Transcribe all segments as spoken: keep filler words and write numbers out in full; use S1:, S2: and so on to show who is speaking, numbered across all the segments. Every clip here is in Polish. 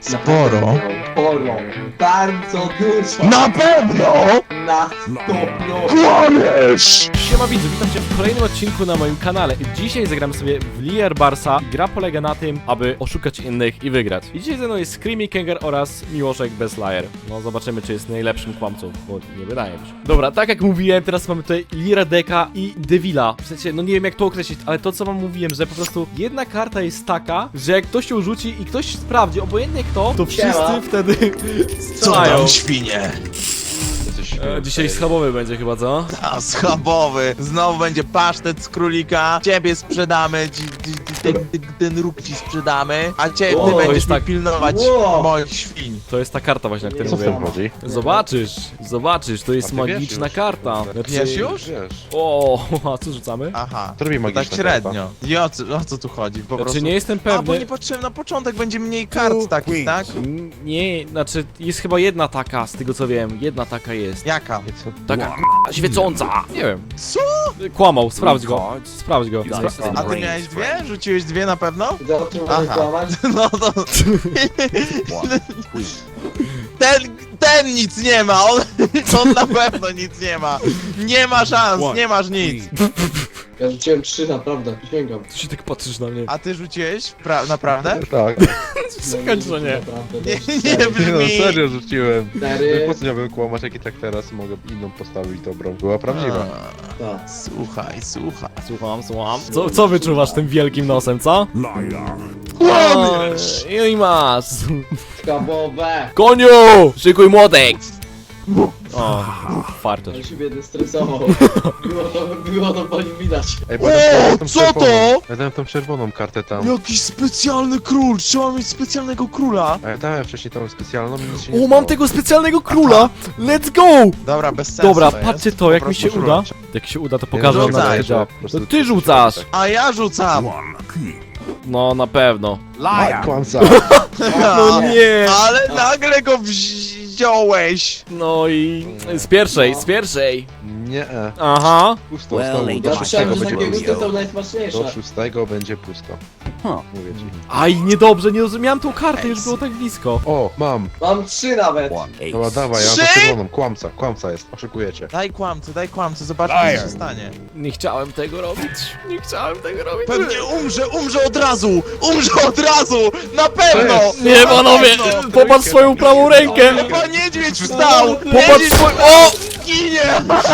S1: Sporo.
S2: Sporo. Bardzo dużo.
S1: Na pewno!
S2: Na sto procent.
S1: Kłamiesz!
S3: Siema widzu, witam cię w kolejnym odcinku na moim kanale. Dzisiaj zagramy sobie w Liar Barsa. Gra polega na tym, aby oszukać innych i wygrać. I dzisiaj ze mną jest Screamy Kenger oraz Miłoszek bez Liar. No zobaczymy, czy jest najlepszym kłamcą, bo nie wydaje mi się. Dobra, tak jak mówiłem, teraz mamy tutaj Liara Deka i Devila. W sensie, no nie wiem jak to określić, ale to co wam mówiłem, że po prostu jedna karta jest taka, że jak ktoś ją rzuci i ktoś sprawdzi, obojętnie kto, to wszyscy
S2: Siema.
S3: wtedy
S1: Co
S3: strzelają.
S1: tam, świnie?
S3: E, dzisiaj schabowy będzie chyba, co?
S1: A, schabowy. Znowu będzie pasztet z królika. Ciebie sprzedamy, ci, ci, ci, ten, ten, ten róg ci sprzedamy. A ciebie
S2: O,
S1: ty
S2: to
S1: będziesz
S3: jest
S1: mi
S3: tak.
S1: pilnować
S2: Wow.
S1: moich świń.
S3: To jest ta karta właśnie, o której
S2: Co w tym
S3: mówiłem.
S4: chodzi?
S3: Zobaczysz, zobaczysz, to jest
S4: A ty wiesz
S3: magiczna
S4: już.
S3: karta. Znaczy...
S1: Wiesz już?
S4: Wiesz.
S3: O, a co rzucamy?
S1: Aha.
S4: To robi
S1: Tak
S4: magiczna
S1: średnio. I o co, o co tu chodzi? Po
S3: Znaczy
S1: prostu...
S3: nie jestem
S1: A, bo
S3: pewny.
S1: nie patrzyłem na początek, będzie mniej kart takich, tak?
S3: N- Nie, znaczy jest chyba jedna taka, z tego co wiem, jedna taka jest.
S1: Jaka?
S3: Taka k***a, świecąca. Nie wiem.
S1: Co?
S3: Kłamał, sprawdź go. Sprawdź go. Spra
S1: A ty miałeś dwie? Rzuciłeś dwie na pewno?
S2: Za o czym mamy
S1: Aha.
S2: kłamać?
S1: No to... Ten, ten nic nie ma, on, on na pewno nic nie ma. Nie ma szans, nie masz nic.
S2: Ja rzuciłem trzy, naprawdę, przysięgam.
S3: Co się tak patrzysz na mnie?
S1: A ty rzuciłeś? Pra naprawdę?
S4: Tak.
S3: Czekaj, że nie.
S2: Naprawdę,
S1: Nie,
S2: też
S1: nie
S2: cztery.
S4: Nie no,
S1: brzmi.
S4: serio rzuciłem.
S2: Cztery.
S4: Po co miałbym kłamać, jak i tak teraz mogę inną postawić dobrą. Była prawdziwa.
S2: Tak.
S1: Słuchaj, słuchaj.
S3: Słucham, słucham. Co, co wyczuwasz tym wielkim nosem, co?
S1: Kłamiesz!
S3: Oj, I masz.
S2: Skabowe.
S3: Koniu! Szykuj młotek! O, farto.
S2: On się biedny stresował. Było to, było to po nim widać.
S4: Ej,
S1: O,
S4: dałem tą
S1: co
S4: czerwoną-
S1: to?
S4: Ja dałem tą czerwoną kartę tam.
S1: Jakiś specjalny król, trzeba mieć specjalnego króla.
S4: A ja dałem wcześniej tą specjalną i nic się nie
S3: O,
S4: stało.
S3: mam tego specjalnego króla! Let's go!
S1: Dobra, bez sensu
S3: Dobra,
S1: to
S3: patrzcie
S1: jest.
S3: to,
S1: Po
S3: jak mi
S1: prostu
S3: się uda.
S1: rzuć.
S3: Jak się uda, to pokażę wam na
S1: rzucaj,
S3: co działa.
S4: po prostu
S3: To ty rzucasz!
S1: A ja rzucam.
S3: No, na pewno.
S4: A, kłamca.
S3: No nie!
S1: Ale nagle go wziąłeś.
S3: No i... Z pierwszej, z pierwszej!
S4: Nie, e.
S3: Aha!
S4: Pusto,
S5: Well,
S4: znowu.
S5: they
S4: Do
S2: Ja
S5: don't
S2: słyszałem,
S4: szóstego
S2: że
S4: będzie
S2: takie
S4: pusto.
S2: gusty są
S4: Do
S2: najsmaczniejsze.
S4: szóstego będzie pusto.
S5: Huh.
S4: Mówię ci.
S3: Aj, niedobrze, nie rozumiałem tą kartę, już było tak blisko.
S4: O, mam.
S2: Mam trzy nawet.
S4: Dobra, dawaj, ja mam tą
S1: Trzy?
S4: czerwoną. Kłamca, kłamca jest. Oszukujecie.
S1: Daj kłamcy, daj kłamcy, zobaczmy co się stanie.
S3: Nie chciałem tego robić, nie chciałem tego robić.
S1: Pewnie umrze, umrze od razu! Umrze od razu! Na pewno!
S3: Nie, panowie! Popatrz swoją prawą rękę!
S1: Chyba niedźwiedź wstał!
S3: Popatrz
S1: Niedźwiedź
S3: swój... O!
S1: ginie!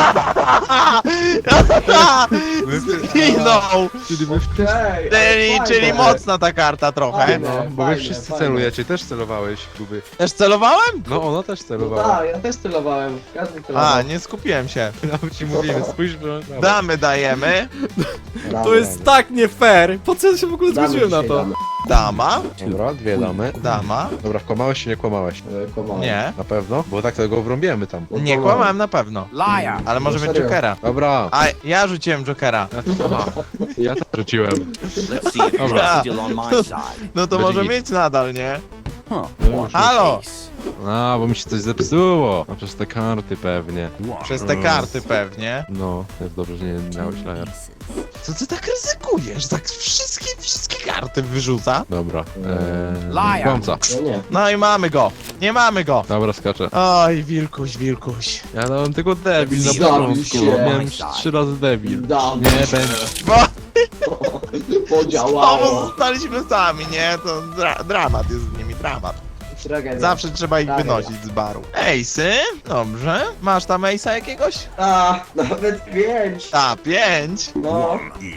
S1: Zginął!
S2: Ej,
S1: Czyli,
S2: ale
S1: czyli
S2: fajne.
S1: mocna ta karta trochę.
S2: Fajne.
S4: No, bo wy
S2: Fajne,
S4: wszyscy
S2: fajne.
S4: celujecie, też celowałeś, Kuby.
S1: Też celowałem?
S4: No, ona też
S2: No
S4: celowała.
S2: tak, ja też celowałem. Każdy celował.
S1: A, nie skupiłem się.
S4: Nawet ci mówimy, spójrz, że...
S1: Damy dajemy.
S3: To jest tak nie fair! Po co ja się w ogóle
S2: Damy
S3: zgodziłem na
S2: dzisiaj,
S3: to?
S2: damy.
S1: Dama.
S4: Dobra, dwie damy.
S1: Dama.
S4: Dobra, kłamałeś czy nie kłamałeś?
S2: E, kłamałem.
S1: Nie.
S4: Na pewno? Bo tak to go wrąbiemy tam.
S1: Nie kłamałem na pewno.
S5: Liar.
S1: Ale może
S2: No
S1: być
S2: serio?
S1: Jokera.
S4: Dobra.
S1: A ja rzuciłem Jokera.
S4: Ja to rzuciłem.
S5: Let's see if you're still on my side.
S1: No to
S4: Będzie
S1: może
S4: git.
S1: mieć nadal, nie?
S5: Huh.
S1: Halo!
S5: Ace.
S4: A, bo mi się coś zepsuło. A przez te karty pewnie.
S1: Przez te karty pewnie.
S4: No, jest dobrze, że nie miałeś lajer.
S1: Co ty tak ryzykujesz? Tak wszystkie, wszystkie karty wyrzuca?
S4: Dobra. Eee,
S5: Liar.
S4: kłamca.
S2: No nie.
S1: No i mamy go. Nie mamy go.
S4: Dobra, skaczę.
S1: Oj, wilkuś, wilkuś.
S4: Ja dałem tylko debil na
S2: Zabił
S4: początku.
S2: się.
S4: Miałem już trzy razy debil.
S2: Dam.
S4: Nie, będzie.
S1: Bo znowu
S2: Podziałało.
S1: zostaliśmy sami, nie? To dra dramat jest z nimi, dramat.
S2: Tragedia.
S1: Zawsze trzeba ich
S2: Tragedia.
S1: wynosić z baru. Ejsy? Dobrze. Masz tam ejsa jakiegoś?
S2: A, nawet pięć.
S1: A, pięć.
S2: No.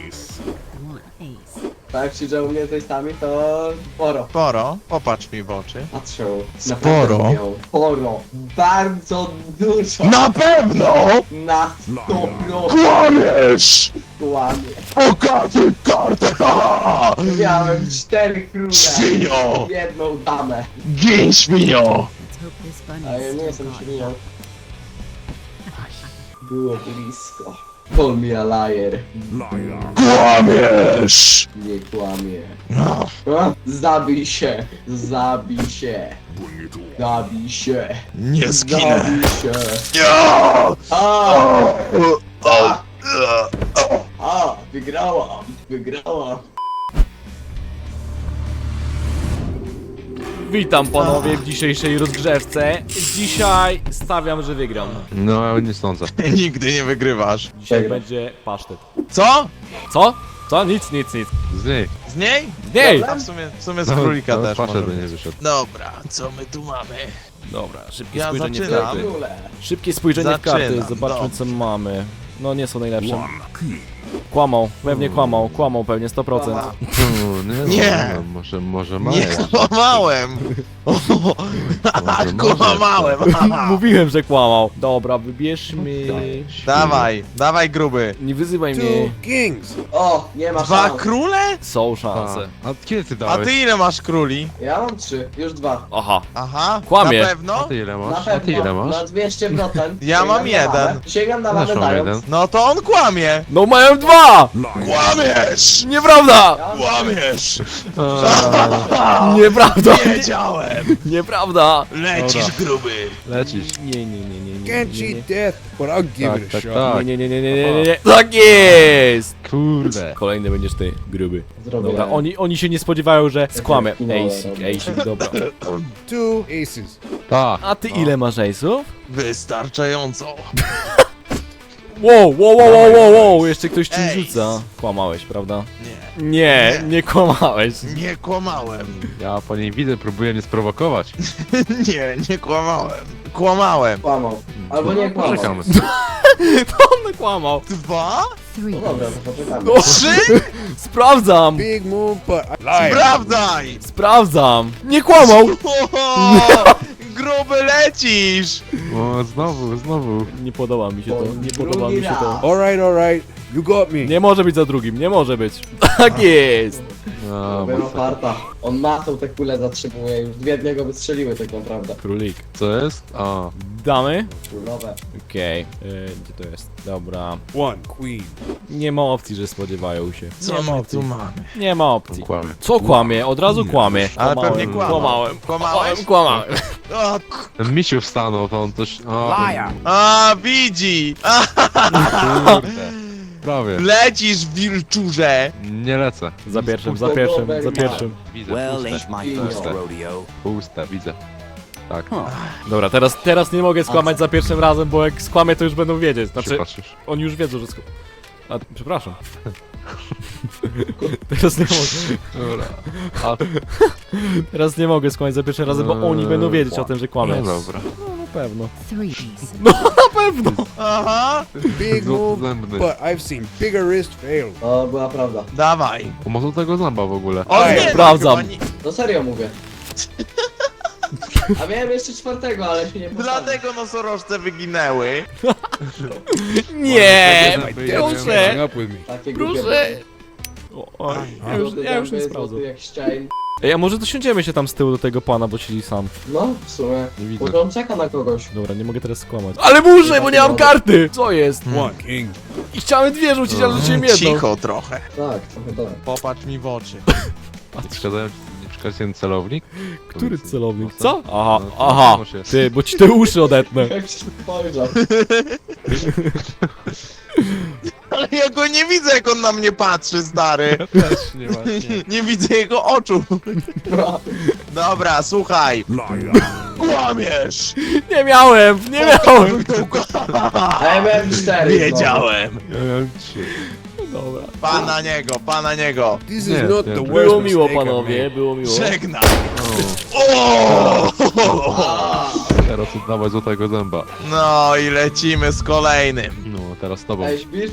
S2: Tak jak się działo mnie testami, to sporo.
S1: Sporo. Popatrz mi w oczy.
S2: Patrzę.
S1: Sporo.
S2: naprawdę miał. Sporo. Bardzo dużo.
S1: Na pewno!
S2: Na sto procent.
S1: Kłamiesz!
S2: Kłamie.
S1: Pokażę kartę!
S2: Miałem cztery króle.
S1: Świnio!
S2: Jedną damę.
S1: Gin, świnio!
S2: A ja nie jestem świnią. Było blisko. Call me a liar.
S1: Kłamiesz!
S2: Nie kłamie.
S1: No.
S2: A? Zabij się. Zabij się. Zabij się.
S1: Nie zginę.
S2: Zabij się.
S1: Ja!
S2: A!
S1: O, o,
S2: A! Wygrałam. Wygrałam.
S3: Witam panowie w dzisiejszej rozgrzewce. Dzisiaj stawiam, że wygram.
S4: No, nie sądzę.
S1: Nigdy nie wygrywasz.
S3: Dzisiaj
S2: Wygram.
S3: będzie pasztet.
S1: Co?
S3: Co? Co? Nic, nic, nic.
S4: Z niej.
S1: Z niej?
S3: Nie!
S1: A w sumie, w sumie z królika też
S4: Patrzę,
S1: może
S4: by nie
S1: być.
S4: wyszedł.
S1: Dobra, co my tu mamy?
S3: Dobra, szybkie
S1: Ja
S3: spojrzenie w
S1: zaczynam.
S3: karty.
S2: Króle.
S3: Szybkie spojrzenie w karty,
S1: Zaczynam,
S3: zobaczmy co
S1: dobrze.
S3: mamy. No nie są najlepsze. Kłamał, pewnie kłamał, kłamał pewnie sto procent.
S4: No, nie,
S1: Nie.
S4: No, może, może ma
S1: Nie
S4: jeszcze.
S1: kłamałem! O,
S4: Może,
S1: kłamałem!
S3: Mówiłem, że kłamał. Dobra, wybierzmy...
S1: Dawaj, dawaj gruby.
S3: Nie wyzywaj mnie.
S6: Kings.
S2: O, nie ma
S1: Dwa
S2: szans.
S1: króle?
S3: Są
S4: A,
S3: szanse.
S4: a kiedy ty
S1: A
S4: dałeś?
S1: ty ile masz króli?
S2: Ja mam trzy, już dwa.
S3: Aha.
S1: Aha,
S3: Kłamie.
S1: na
S4: A
S1: pewno?
S4: ty ile
S2: Na
S4: masz? A ty ile
S2: pewno,
S4: masz?
S2: na dwieście procent.
S1: Ja
S2: Sięgam
S1: mam
S2: na
S1: jeden.
S2: mamę. Sięgam na mamę
S4: Też mam jeden.
S2: dając.
S1: No to on kłamie!
S3: No mają dwa!
S1: Kłamiesz!
S3: Nieprawda!
S2: Ja mam
S1: Kłamiesz!
S3: Nieprawda!
S1: Wiedziałem!
S3: Nieprawda!
S1: Lecisz gruby!
S4: Lecisz.
S3: Nie, nie, nie, nie, nie.
S6: Can't
S3: nie,
S6: cheat
S3: nie.
S6: death, but I'll give
S4: Tak,
S6: it a
S4: tak,
S6: shot.
S4: tak.
S3: Nie, nie, nie, nie, nie, nie, nie. Tak jest!
S4: Kurde.
S3: Kolejny będziesz ty, gruby.
S2: Zrobię.
S3: Dobra, oni, oni się nie spodziewają, że skłamę.
S2: finale
S3: Ejsik,
S2: robię.
S3: ejsik, dobra.
S6: Two aces.
S3: A
S4: Tak.
S1: No.
S3: ty ile masz ejsów?
S1: Wystarczająco.
S3: Wow, wow, wow, wow, wow, wow, jeszcze ktoś czym
S1: Ejs.
S3: rzuca. Kłamałeś, prawda?
S1: Nie,
S3: Nie,
S1: Nie.
S3: nie kłamałeś.
S1: nie kłamałem.
S4: Ja po niej widzę, próbuję mnie sprowokować.
S1: Nie, nie kłamałem. Kłamałem.
S2: Kłamał. Albo nie kłamał.
S4: Poczekamy.
S3: To on kłamał.
S1: Dwa?
S2: No dobra, to poczekamy.
S3: No,
S1: Trzy?
S3: sprawdzam,
S6: Big move, but I liar.
S1: Sprawdzaj!
S3: sprawdzam. Nie kłamał.
S1: O, gruby lecisz!
S4: O, znowu, znowu.
S3: Nie podoba mi się to, nie podoba
S2: Drugi
S3: mi się to.
S2: raz.
S6: All right, all right. You got me.
S3: Nie może być za drugim, nie może być. Tak jest.
S4: No,
S2: Była
S4: bo...
S2: farta. On matą te kule zatrzymuje, już dwie od niego wystrzeliły tak naprawdę.
S3: Królik.
S4: Co jest? A,
S3: Damy?
S2: Kulowe.
S3: Okej, okay. Gdzie to jest? Dobra.
S6: One queen.
S3: Nie ma opcji, że spodziewają się.
S1: Co
S3: Nie ma
S1: my
S3: opcji.
S1: tu mamy?
S3: Nie ma opcji.
S4: kłamie.
S3: Co kłamie? Od razu kłamie.
S1: Ale
S3: Kłamałem.
S1: pewnie kłamał.
S3: Kłamałem.
S1: Kłamałeś?
S3: Kłamałem.
S1: O,
S4: Ten misiu wstanął, to on coś... O,
S1: a, widzi! A,
S4: kurde. Prawie.
S1: lecisz, wilczurze!
S4: Nie lecę.
S3: Za pierwszym, za pierwszym, za pierwszym.
S4: Widzę,
S5: Well,
S4: puste.
S5: ain't my
S2: Puste.
S5: first rodeo.
S4: Puste, widzę. Tak.
S3: Dobra, teraz, teraz nie mogę skłamać za pierwszym razem, bo jak skłamię, to już będą wiedzieć. Znaczy,
S4: Czy patrzysz?
S3: oni już wiedzą, że skłamie. A, przepraszam. Teraz nie mogę.
S4: Dobra. A,
S3: Teraz nie mogę skłamać za pierwszym razem, bo oni będą wiedzieć o tym, że kłamię.
S4: no dobra.
S3: No, na pewno.
S7: Three aces.
S3: No, na pewno.
S1: Aha!
S6: Big move,
S4: Zębny.
S6: but I've seen bigger wrist fail.
S2: To była prawda.
S1: Dawaj!
S4: O, może tego zęba w ogóle.
S1: O nie,
S3: sprawdzam.
S1: no chyba nie-
S2: No serio mówię. A miałem jeszcze czwartego, ale się nie postawił.
S1: Dlatego nosorożce wyginęły.
S3: Nie,
S4: Zęby,
S3: proszę.
S6: Hang up with me.
S2: Takie głupie
S3: Proszę.
S2: były.
S3: O, oj, ja już, ja już nie
S2: Zęby,
S3: sprawdzę.
S2: złoty jak ścian.
S3: Ej, a może dosiądziemy się tam z tyłu do tego pana, bo siedzi sam.
S2: No, w sumie.
S4: Nie widzę.
S2: Może on czeka na kogoś.
S3: Dobra, nie mogę teraz skłamać. Ale muszę, bo nie mam karty! Co jest?
S6: One king.
S3: I chciałem dwie rzucić, ale rzuciłem jedną.
S1: Cicho trochę.
S2: Tak, trochę tak.
S1: Popatrz mi w oczy.
S4: Nie przeszkadzają ci, nie przeszkadza ten celownik?
S3: Który celownik?
S4: No to-
S3: Co? Aha,
S4: no to
S3: aha.
S4: muszę.
S3: Ty, bo ci te uszy odetnę.
S2: Jak się spojrzał.
S1: Ale ja go nie widzę, jak on na mnie patrzy, stary.
S4: Też nie właśnie.
S1: Nie widzę jego oczu. Dobra, słuchaj. Kłamiesz!
S3: Nie miałem, nie miałem.
S2: A ja miałem cztery.
S1: Wiedziałem.
S4: Ja miałem trzy.
S3: Dobra.
S1: Pa na niego, pa na niego.
S6: This
S4: Nie,
S6: is not
S4: nie.
S6: the worst
S3: Było miło,
S6: mistake I've
S3: panowie,
S6: made.
S3: było miło.
S1: Żegnaj. O!
S4: Teraz oddawaj złotego zęba.
S1: No i lecimy z kolejnym.
S4: No, teraz z tobą.
S2: Ej, śpisz?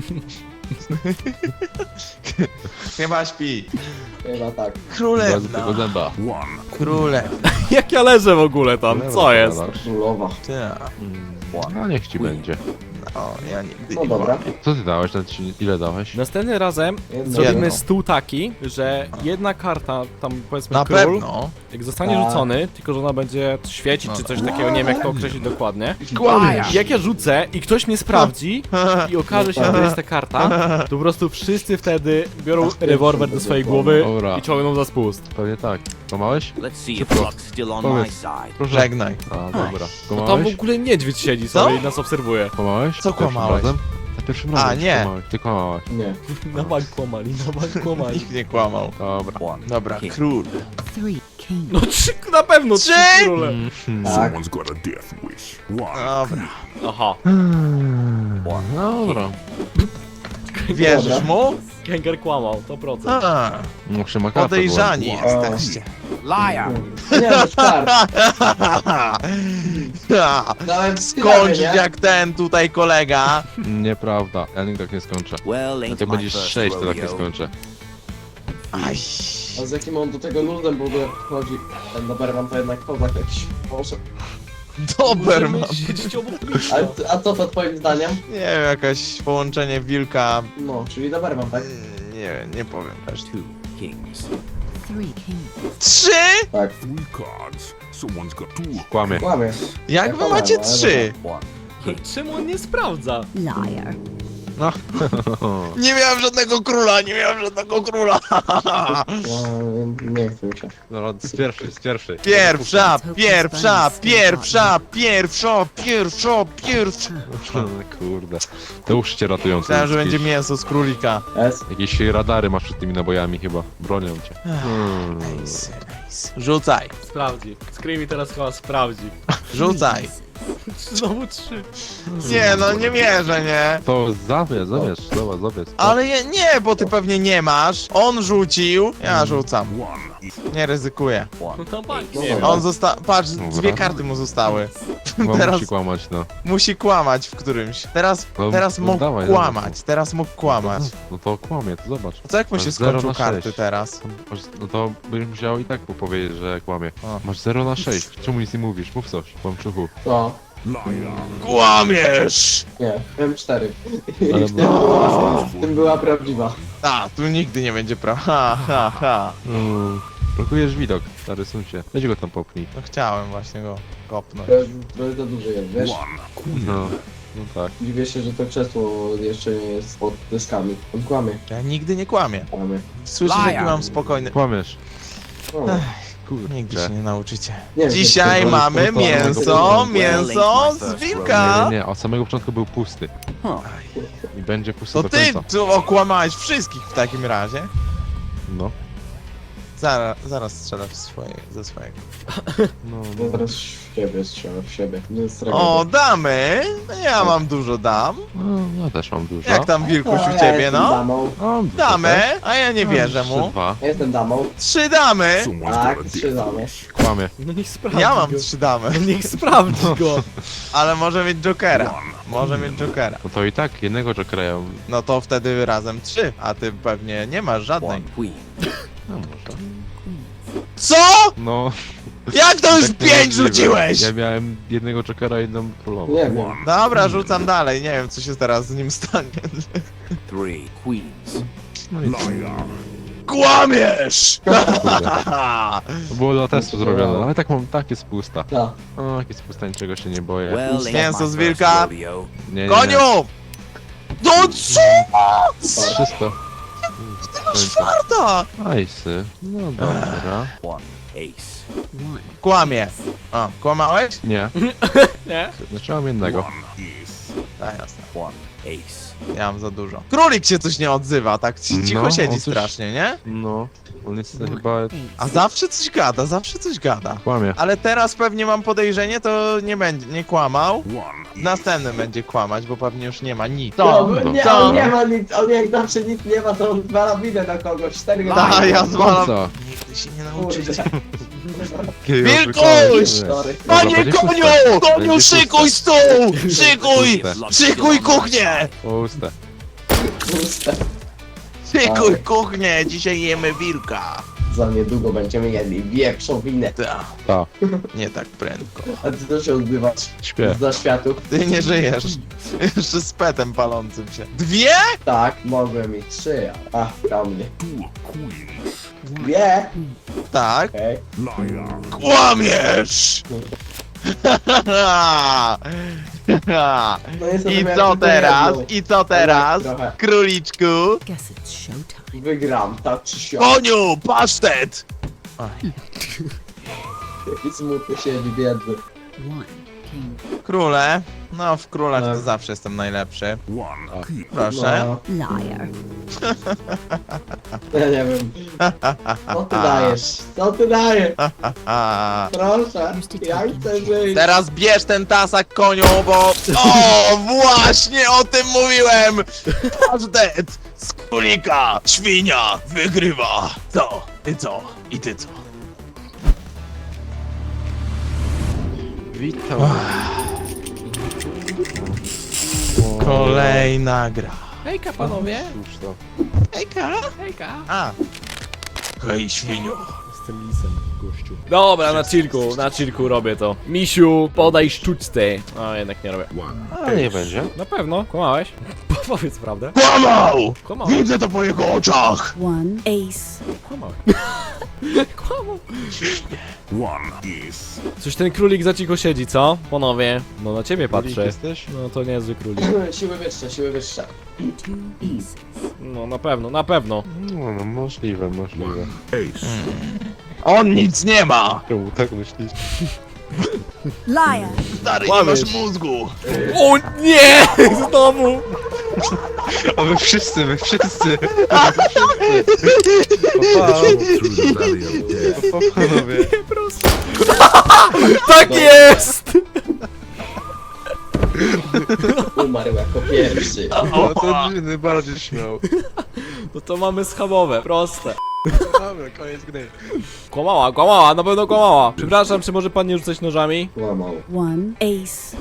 S1: Chyba śpi.
S2: Chyba tak.
S4: Dwa
S1: Królewna.
S4: złotego zęba.
S1: Królewna.
S3: Jak ja leżę w ogóle tam, co jest?
S2: Królowa.
S1: Tak.
S4: No niech ci będzie.
S1: No, ja nigdy
S2: No
S1: nie
S2: dobra.
S1: kłamię.
S4: Co ty dałeś? Ten ci- Ile dałeś?
S3: Następnym razem
S2: Jedno.
S3: zrobimy
S1: Jedno.
S3: stół taki, że jedna karta, tam powiedzmy
S1: Na
S3: król,
S1: pewno.
S3: jak zostanie
S2: Tak.
S3: rzucony, tylko że ona będzie świecić czy coś takiego, nie wiem jak to określić dokładnie.
S1: Kłamiesz.
S3: Jak ja rzucę i ktoś mnie sprawdzi i okaże się, że to jest ta karta, to po prostu wszyscy wtedy biorą rewolwer do swojej głowy
S4: Dobra.
S3: i ciągną za spust.
S4: Pewnie tak. Kłamałeś?
S5: Let's see if luck's still on my
S4: Powiedz.
S5: side.
S4: Proszę.
S1: Żegnaj.
S4: A, dobra.
S3: No tam w
S4: Kłamałeś?
S3: ogóle niedźwiedź siedzi
S1: Co?
S3: sobie i nas obserwuje.
S4: Kłamałeś?
S1: Co
S4: Za pierwszym
S1: kłamałeś?
S4: razem? Za pierwszym
S1: A,
S4: razem.
S1: nie.
S4: Kłamałeś. Ty kłamałeś.
S2: Nie.
S3: Na bank kłamali, na bank kłamali.
S1: Nikt nie kłamał.
S4: Dobra.
S5: One.
S1: Dobra,
S5: King.
S1: król.
S7: Three king.
S3: No trzy, na pewno trzy
S1: Trzy?
S3: króle.
S2: Tak.
S6: Someone's got a death wish. One.
S1: Dobra.
S3: Aha.
S4: Dobra.
S1: Wierzysz mu?
S3: Kęger kłamał, to procent.
S1: A,
S4: Muszę makapę
S1: podejrzani
S2: było.
S1: jesteście.
S5: Liar.
S2: Nie, no start.
S1: Ha,
S2: Dałem
S1: Skończyć
S2: nie?
S1: jak ten tutaj kolega.
S4: Nieprawda, ja nigdy tak nie skończę.
S5: Well,
S4: Jak
S5: ain't
S4: to
S5: my
S4: będziesz
S5: first
S4: sześć, to tak nie
S5: rodeo.
S4: skończę.
S1: Aj.
S2: A z jakim on do tego nudem w ogóle chodzi? Ten Doberman to jednak kozak jakiś. Może.
S1: Doberman.
S3: Możemy siedzieć obok
S2: A,
S3: Misza.
S2: a co to twoim zdaniem?
S1: Nie wiem, jakaś połączenie wilka.
S2: No, czyli Doberman, tak?
S1: Nie, nie powiem też.
S5: Two kings.
S7: Three kings.
S1: Trzy?
S2: Tak.
S6: Three cards. Someone's got two.
S4: Kłamie.
S2: Kłamie.
S1: Jak wy macie trzy?
S5: One king.
S3: Czemu on nie sprawdza?
S7: Liar.
S4: No.
S1: Nie miałem żadnego króla, nie miałem żadnego króla.
S2: No, nie chcę mi się.
S4: No, z pierwszej, z pierwszej.
S1: Pierwsza, pierwsza, pierwsza, pierwsza, pierwsza, pierwsza.
S4: Kurde. To już cię ratują.
S1: Myślałem, że
S4: jakieś-
S1: będzie mięso z królika.
S2: S.
S4: Jakieś radary masz przed tymi nabojami chyba. Bronią cię. Hmm.
S1: Nice, nice. Rzucaj,
S3: Sprawdzi. Screamy teraz chyba sprawdzi.
S1: rzucaj.
S3: Znowu trzy.
S1: Nie no, nie mierzę, nie?
S4: To zawiesz, zawiesz, zobacz, zawiesz.
S1: Ale je, nie, bo ty pewnie nie masz. On rzucił, ja rzucam. Nie ryzykuję.
S3: No tam pani,
S2: No
S3: nie wiem.
S1: On zosta... Patrz,
S4: Dobra.
S1: dwie karty mu zostały.
S4: Bo
S1: teraz-
S4: musi kłamać, no.
S1: Musi kłamać w którymś. Teraz,
S4: No,
S1: teraz
S4: no
S1: mógł
S4: dawaj,
S1: kłamać, teraz mógł kłamać.
S4: No to kłamie, to zobacz.
S1: Co jak mu
S4: Masz
S1: się
S4: zero
S1: skończył
S4: na
S1: karty
S4: sześć.
S1: teraz?
S4: Masz, no to byś musiał i tak mu powiedzieć, że kłamie.
S1: O.
S4: Masz zero na sześć. Czemu nic nie mówisz? Mów coś, kłamczuchu.
S2: No.
S1: Kłamiesz!
S2: Nie, M cztery.
S4: Ale
S2: I w tym, była, w tym była prawdziwa.
S1: A, tu nigdy nie będzie prawa. Ha, ha, ha.
S4: Mm, blokujesz widok, stary suncie. Weź go tam popchnij.
S1: No chciałem właśnie go kopnąć.
S2: To jest, to jest za dużo jest, wiesz?
S4: No, no tak.
S2: Dziwię się, że to krzesło jeszcze nie jest pod dyskami. On kłamie.
S1: Ja nigdy nie kłamię.
S2: Kłamie.
S1: Słyszysz, jaki mam spokojny...
S4: Kłamiesz.
S2: No.
S1: Nigdy się
S4: Kurczę.
S1: nie nauczycie.
S2: Nie wiem,
S1: Dzisiaj
S2: to- to-
S1: mamy
S2: to- to-
S1: mięso,
S5: to-
S1: mięso z
S4: Nie,
S1: wilka.
S4: nie, nie, od samego początku był pusty.
S5: Huh.
S4: I będzie pusty
S1: To
S4: do
S1: ty
S4: końca.
S1: tu okłamałeś wszystkich w takim razie.
S4: No.
S1: Zaraz, zaraz strzelę w swoje, ze swojego.
S4: No,
S2: No
S4: no.
S2: teraz w siebie strzelam, w siebie. Nie jest
S1: O, damy! No ja mam dużo dam.
S4: no ja też mam dużo.
S1: Jak tam Wilkuś
S2: ja
S1: u ciebie,
S2: jestem
S1: no?
S2: damą.
S4: Mam dużo
S1: Damy,
S4: też.
S1: a ja nie wierzę
S4: Trzy,
S1: mu.
S4: dwa.
S2: Ja jestem damą.
S1: Trzy damy!
S6: Someone's
S2: Tak,
S6: got a
S2: trzy
S6: death
S2: damy.
S6: wish.
S4: Kłamie.
S3: No niech sprawdzi
S1: Ja mam
S3: go.
S1: trzy damy,
S3: No niech sprawdzi go.
S1: ale może mieć Jokera. Może mieć Jokera.
S4: No to i tak jednego Jokera ja...
S1: No to wtedy razem trzy, a ty pewnie nie masz żadnej.
S5: One queen.
S4: No może.
S1: Co?!
S4: No.
S1: Jak to już
S4: tak
S1: pięć
S4: niemożliwe.
S1: rzuciłeś?!
S4: Ja miałem jednego Jokera i jedną królową.
S2: Nie wiem.
S1: Dobra, rzucam dalej, nie wiem co się teraz z nim stanie.
S5: Three queens.
S4: No i
S6: Liar.
S1: Kłamiesz!
S4: kurde. To było dla testu zrobione, ale tak mam, tak jest pusta.
S2: Tak.
S4: O, jak jest pusta, niczego się nie boję.
S5: Well, ain't
S1: Mięso
S5: my
S1: z
S5: first
S1: wilka.
S5: rodeo.
S4: Nie, nie, nie.
S1: Koniu! No co?!
S4: Wszystko.
S1: Czwarta!
S4: Nice. No dobra.
S5: One ace.
S7: One.
S1: Kłamie. A, kłamałeś?
S4: Nie,
S3: Nie?
S4: znaczy mam jednego.
S1: Tak, jasne.
S5: One ace.
S1: Ja mam za dużo. Królik się coś nie odzywa, tak ci- cicho
S4: No,
S1: siedzi
S4: on coś-
S1: strasznie, nie?
S4: No, on jest chyba...
S1: A zawsze coś gada, zawsze coś gada.
S4: Kłamie.
S1: Ale teraz pewnie mam podejrzenie, to nie będzie, nie kłamał.
S6: One.
S1: W następnym będzie kłamać, bo pewnie już nie ma nic.
S2: No,
S4: no.
S2: nie,
S1: Co?
S2: on nie ma nic, on jak zawsze nic nie ma, to on zwala winę na kogoś. Cztery
S1: Da, ja zwalam.
S4: Co?
S1: Nigdy się nie nauczycie.
S2: Kurde.
S1: Wilkuś!
S2: Sorry.
S1: Panie
S4: będzie
S1: koniu!
S4: puste.
S1: Koniu,
S4: Będzie
S1: szykuj stół! Szykuj!
S4: Puste.
S1: Szykuj kuchnię!
S4: Puste.
S2: Puste.
S1: Szykuj
S2: Tak.
S1: kuchnię! Dzisiaj jemy wilka.
S2: Za niedługo będziemy jedli wieprzowinę.
S1: Ta,
S4: Ta,
S1: nie tak prędko.
S2: A ty to się odbywasz
S4: śpię.
S2: za światów?
S1: Ty nie żyjesz. Jeszcze z petem palącym się. Dwie?
S2: Tak, mogłem mieć trzy, a ach, na mnie.
S6: Two queens.
S2: Dwie!
S1: Tak.
S2: Okej.
S6: Liar.
S1: Kłamiesz!
S2: No jestem
S1: I
S2: miałem
S1: co
S2: tylko
S1: teraz?
S2: jedną.
S1: I co teraz?
S2: Trochę.
S1: Króliczku?
S7: Guess it's showtime.
S2: Wygram, tak czy siak.
S1: Koniu, pasztet!
S2: Jaki smutny siedzi, biedny.
S7: One. king.
S1: Króle. No, w królach
S2: Tak.
S1: to zawsze jestem najlepszy.
S6: One king.
S1: Proszę.
S2: No,
S7: Liar.
S2: ja nie wiem. Co ty dajesz? Co ty dajesz?
S1: A,
S2: Proszę, ja chcę żyć.
S1: teraz bierz ten tasak, koniu, bo... O, właśnie o tym mówiłem! Pasztet z królika, świnia, wygrywa. Co? Ty co? I ty co?
S4: Witam.
S1: Kolejna gra.
S3: Hejka panowie.
S4: Cóż to.
S1: Hejka.
S3: Hejka.
S1: A. Hej, świniu.
S3: Jestem lisem, gościu. Dobra, na chillku, na chillku robię to. Misiu, podaj sztuczce. A jednak nie robię.
S6: One
S4: A nie będzie.
S3: Na pewno, kłamałeś? Powiedz prawdę.
S1: Kłamał!
S3: Kłamałeś.
S1: Widzę to po jego oczach!
S7: One ace.
S3: Kłamałeś. Kłamał.
S6: One is.
S3: Coś ten królik za cicho siedzi, co? Panowie, no na ciebie
S4: Królik
S3: patrzę.
S4: jesteś?
S3: No to niezły królik.
S2: Siły wyższe, siły wyższe.
S7: Two aces.
S3: No na pewno, na pewno.
S4: No, no możliwe, możliwe.
S6: Ace.
S1: On nic nie ma!
S4: Czemu tak myślisz?
S7: Liar.
S1: Stary, nie
S3: Kłamiesz.
S1: masz mózgu!
S3: O nie! Znowu!
S4: A wy wszyscy, wy wszyscy!
S5: Through the valley of death.
S4: O, panowie.
S3: Tak jest!
S2: Umarł jako pierwszy.
S4: No to dziwny bardziej śmiał.
S3: No to mamy schabowe, proste.
S4: Dobra, koniec gry.
S3: Kłamała, kłamała, na pewno kłamała. Przepraszam, czy może pan nie rzucać nożami?
S2: Łamał.
S7: One ace.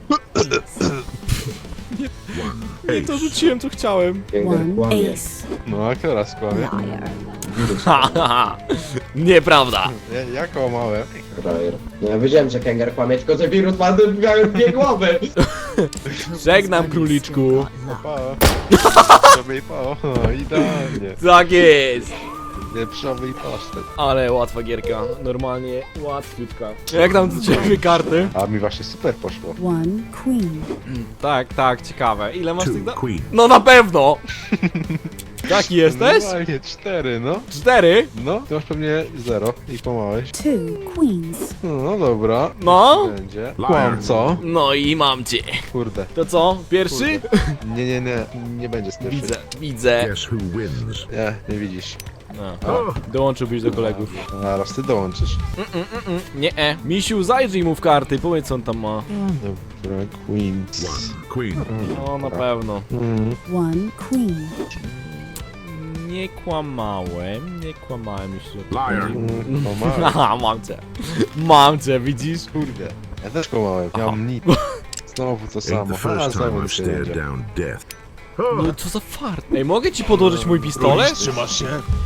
S3: Nie, to rzuciłem, co chciałem.
S2: Kęger
S7: One
S2: kłamie.
S7: ace.
S4: No a teraz kłamie?
S7: Liar.
S3: Ha, ha, ha. Nieprawda.
S4: Ja, ja kłamałem.
S2: Frajer. No ja wiedziałem, że Kęger kłamie, tylko że wirus ma dwie- dwie głowy.
S3: Żegnam, króliczku.
S4: Pa. Sobie i pa. O, idealnie.
S3: Tak jest.
S4: Wieprzowy i pasztet.
S3: Ale łatwa gierka. Normalnie łatwiutka. Jak tam do ciebie karty?
S4: A mi właśnie super poszło.
S7: One queen.
S3: Tak, tak, ciekawe. Ile masz tych
S5: Two
S3: da-
S5: queens.
S3: No na pewno! Taki jesteś?
S4: Normalnie cztery, no.
S3: Cztery?
S4: No, ty masz pewnie zero i kłamałeś.
S7: Two queens.
S4: No dobra.
S3: No?
S4: Będzie. Kłam, co?
S3: No i mam cię.
S4: Kurde.
S3: To co? Pierwszy?
S4: Nie, nie, nie. Nie będzie z pierwszej.
S3: Widzę, widzę.
S5: Guess who wins?
S4: Nie, nie widzisz.
S3: No. Dołączyłbyś do kolegów.
S4: Zaraz ty dołączysz.
S3: Nie, e. Misiu, zajrzyj mu w karty, powiedz co on tam ma.
S4: Dobra, Queens.
S5: One queen.
S3: No na pewno.
S4: Mm.
S7: One queen.
S3: Nie kłamałem, nie kłamałem jeszcze.
S5: Liar.
S4: Mm, kłamałem.
S3: Aha, mam cię. Mam cię, widzisz?
S4: Kurde. Ja też kłamałem. Ja mam nic. Znowu to
S5: Ain't
S4: samo.
S5: the
S4: A,
S5: first time
S4: znowu
S5: I've
S4: się
S5: stared
S4: jedzie.
S5: down death.
S3: No co za fart. Ej, mogę ci podłożyć mój pistolet?
S1: Trzymasz się?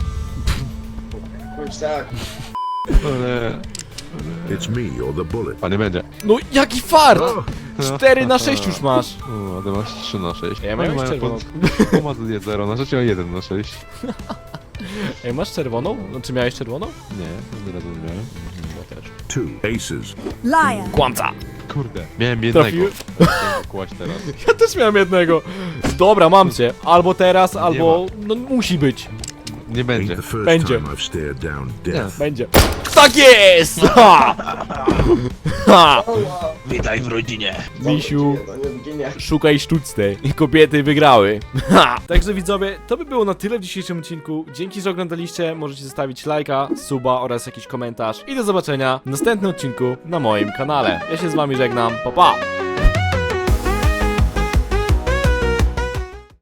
S2: Chodź tak.
S4: Ale...
S5: It's me or the bullet.
S4: A nie będzie.
S3: No jaki fart! cztery na sześć już masz.
S4: O, a ty masz trzy na sześć.
S3: Ja miałem
S4: Oni mają
S3: czerwoną.
S4: pod- Ma tu zero na sześć, a jeden na sześć.
S3: Ej, masz czerwoną? No czy miałeś czerwoną?
S4: Nie, nie razem miałem.
S3: Ja też.
S5: Two aces.
S7: Liar.
S3: Kłamca!
S4: Kurde. Miałem jednego.
S3: Trafiłem.
S4: Chciałem kłać teraz.
S3: Ja też miałem jednego. Dobra, mam cię. Albo teraz, albo... No musi być.
S4: Nie
S5: Ain't
S4: będzie.
S5: the first
S3: Będzie.
S5: time I've stared down death.
S3: Będzie. Tak jest! Ha! Ha!
S1: Witaj w rodzinie.
S3: Misiu,
S2: To nie zginie.
S3: szukaj sztuczne. Kobiety wygrały. Ha! Także widzowie, to by było na tyle w dzisiejszym odcinku. Dzięki, że oglądaliście. Możecie zostawić lajka, suba oraz jakiś komentarz. I do zobaczenia w następnym odcinku na moim kanale. Ja się z wami żegnam. Pa, pa!